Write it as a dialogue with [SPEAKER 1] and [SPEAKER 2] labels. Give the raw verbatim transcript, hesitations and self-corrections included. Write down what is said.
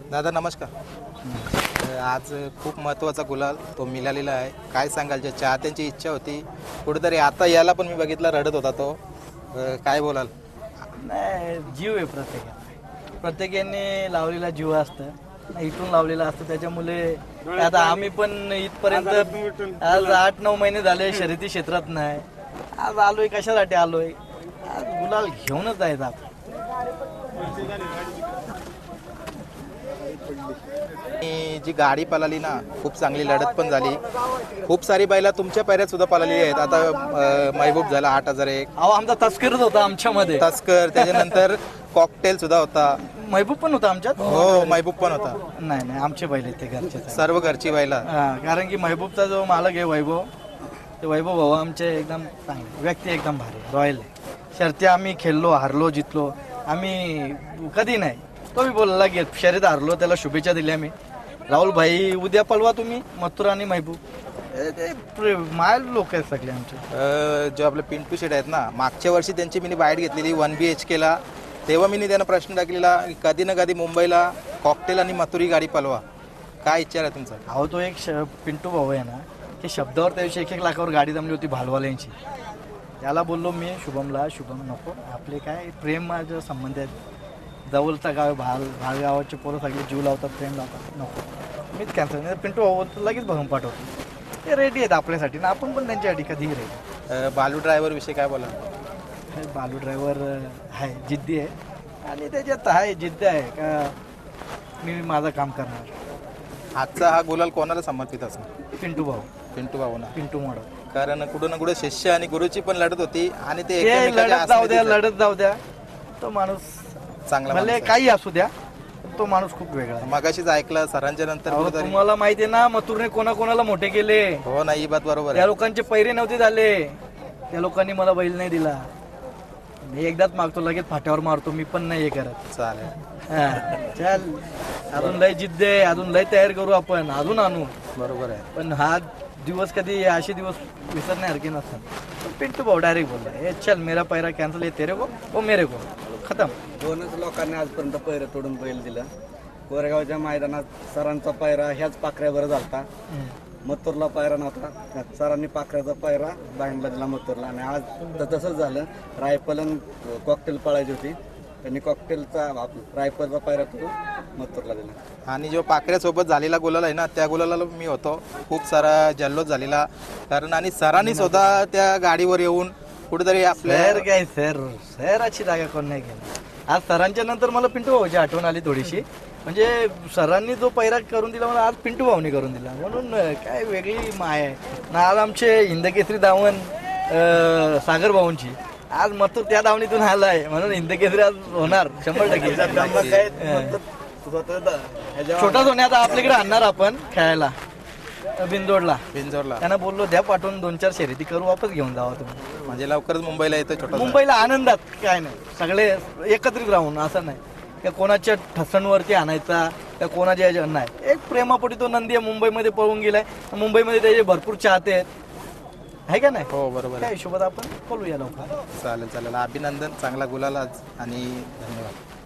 [SPEAKER 1] दादा नमस्कार. आज खूप महत्त्वाचा गुलाल तो मिळालेला आहे. काय सांगाल, ज्या चाहत्यांची इच्छा होती कुठेतरी, आता याला पण मी बघितला रडत होता तो, काय बोलाल?
[SPEAKER 2] नाही, जीव आहे प्रत्येकाला, प्रत्येकाने लावलेला जीव असतं, इथून लावलेला असतं. त्याच्यामुळे आता आम्ही पण इथपर्यंत आज आठ नऊ महिने झाले शर्यती क्षेत्रात नाही. आज आलोय, कशासाठी आलोय? आज गुलाल घेऊनच जायचं आपण.
[SPEAKER 1] जी गाडी पळाली ना, खूप चांगली लढत पण झाली. खूप सारी बैला तुमच्या पैऱ्यात सुद्धा पळाली आहेत. आता अं, महबूब झाला आठ हजार एक.
[SPEAKER 2] अहो, आमचा तस्करच होता आमच्यामध्ये.
[SPEAKER 1] तस्कर, त्याच्यानंतर कॉकटेल सुद्धा होता.
[SPEAKER 2] महबूब पण होता आमच्यात.
[SPEAKER 1] हो, महबूब पण होता.
[SPEAKER 2] नाही नाही, आमचे बैल आहेत ते, घरचे
[SPEAKER 1] सर्व घरची बैला.
[SPEAKER 2] हा, कारण की महबूबचा जो मालक आहे वैभव, ते वैभव भाऊ आमचे एकदम चांगले व्यक्ती, एकदम भारी रॉयल आहे. शर्ती आम्ही खेळलो, हारलो, जितलो, आम्ही कधी नाही. तो बी बोलला की शर्यत हारलो, त्याला शुभेच्छा दिल्या मी. राहुल भाई उद्या पळवा तुम्ही मथुर आणि महबूब. ते मायल लोक आहेत सगळे आमचे.
[SPEAKER 1] अं, जो आपले पिंटू शेट आहेत ना, मागच्या वर्षी त्यांची मी बाईट घेतलेली वन बी एच केला. तेव्हा मी त्यांना प्रश्न टाकलेला, कधी ना कधी मुंबईला कॉकटेल आणि मथुरी गाडी पळवा. काय इच्छा आहे तुमचा?
[SPEAKER 2] अहो, तो एक श पिंटू भाऊ आहे ना, की शब्दावर त्या दिवशी एक एक लाखावर गाडी जमली होती भालवाल्यांची. त्याला बोललो मी शुभमला, शुभम नको, आपले काय प्रेम माझे संबंध आहेत, जवळचा गाव भाल भाल गावाचे पोरं सगळे जीव लावतात, प्रेम लावतात, नको, मीच कॅन्सल नाही. पिंटू भाऊ लगेच भरून पाठवतो. ते रेडी आहेत आपल्यासाठी ना, आपण पण त्यांच्यासाठी कधीही रेडी.
[SPEAKER 1] अं, बालू ड्रायव्हर विषयी काय बोला?
[SPEAKER 2] बालू ड्रायव्हर आहे, जिद्दी आहे, आणि त्याच्यात आहे जिद्द आहे का मी माझं काम करणार.
[SPEAKER 1] आजचा हा गुलाल कोणाला समर्पित असणार?
[SPEAKER 2] पिंटू भाऊ,
[SPEAKER 1] पिंटू भाऊ ना,
[SPEAKER 2] पिंटू मोड.
[SPEAKER 1] कारण कुठं ना कुठं शिष्य आणि गुरुची पण लढत होती, आणि ते
[SPEAKER 2] ते
[SPEAKER 1] एकमेकांच्या
[SPEAKER 2] लढत जाऊ द्या,
[SPEAKER 1] आसपास
[SPEAKER 2] लढत जाऊ द्या. तो माणूस
[SPEAKER 1] चांगला
[SPEAKER 2] भले
[SPEAKER 1] माणूस आहे.
[SPEAKER 2] काही असू द्या, पण तो माणूस खूप वेगळा आहे.
[SPEAKER 1] मगाशीच ऐकलं सरांच्या नंतर
[SPEAKER 2] अहो,
[SPEAKER 1] कुठेतरी.
[SPEAKER 2] तुम्हाला माहिती आहे ना, मथुरने कोणाकोणाला मोठे केले.
[SPEAKER 1] हो ना, ही बात बरोबर
[SPEAKER 2] त्या
[SPEAKER 1] आहे.
[SPEAKER 2] लोकांचे पैरे नव्हते झाले, त्या लोकांनी मला बैल नाही दिला. मी एकदाच मागतो, लगेच फाट्यावर मारतो, मी पण नाही हे करत.
[SPEAKER 1] चालेल,
[SPEAKER 2] हा, चल, अजून लय जिद्द आहे, अजून लय तयार करू आपण, अजून आणू.
[SPEAKER 1] बरोबर आहे.
[SPEAKER 2] पण हा दिवस कधी असे दिवस विसरण्यासारखे नसतात. पण पिंटू भाऊ डायरेक्ट बोलला, हे चल मेरा पैरा कॅन्सल, आहे तेरे को वो मेरे को, खतम.
[SPEAKER 3] दोनच लोकांनी आजपर्यंत पैर तोडून बैल दिला. कोरेगावच्या मैदानात सरांचा पायरा ह्याच पाखऱ्यावर झालता. मथुरला पायरा नव्हता, सरांनी पाखऱ्याचा पायरा बाहेरला दिला मथुरला. आणि आज तर तसंच झालं. रायफल कॉकटेल पळायची होती, त्यांनी कॉकटेलचा रायफलचा पायरा करून मथुरला दिला.
[SPEAKER 1] आणि जो पाखऱ्यासोबत झालेला गुलाल आहे ना, त्या गुलाला मी होतो. खूप सारा जल्लोष झालेला, कारण आणि सरांनी स्वतः त्या गाडीवर येऊन कुठेतरी आपल्या
[SPEAKER 2] सर काय सर सराची जागा कोण नाही केला. आज सरांच्या नंतर मला पिंटू भाऊची आठवण आली थोडीशी. म्हणजे सरांनी जो पैरा करून दिला मला आज पिंटू भाऊनी करून दिला, म्हणून काय वेगळी माय आहे ना. आज आमचे हिंदकेसरी धावण अं, सागर भाऊंची, आज मथुर त्या धावणीतून आला आहे, म्हणून हिंदकेसरी आज होणार शंभर टक्के. छोटा सोन्या आता आपल्याकडे आणणार आपण खेळायला बिंदोडला.
[SPEAKER 1] बिंजोरला.
[SPEAKER 2] त्यांना बोललो द्या पाठवून, दोन चार शर्यती करू, वापस घेऊन जावा तुम्ही.
[SPEAKER 1] म्हणजे लवकरच मुंबईला येतो छोटा.
[SPEAKER 2] मुंबईला आनंदात काय नाही, सगळे एकत्रित राहून, असं नाही त्या कोणाच्या ठसणवरती आणायचा, त्या कोणाच्या याच्या नाही. एक प्रेमापोटी तो नंदी आहे, मुंबईमध्ये पळून गेलाय, मुंबईमध्ये त्याचे भरपूर चाहते आहेत, आहे का नाही?
[SPEAKER 1] हो बरोबर
[SPEAKER 2] त्या
[SPEAKER 1] आहे.
[SPEAKER 2] हिशोबात आपण बोलूया लवकर.
[SPEAKER 1] चालेल चालेल, अभिनंदन, चांगला गुलाल आज, आणि धन्यवाद.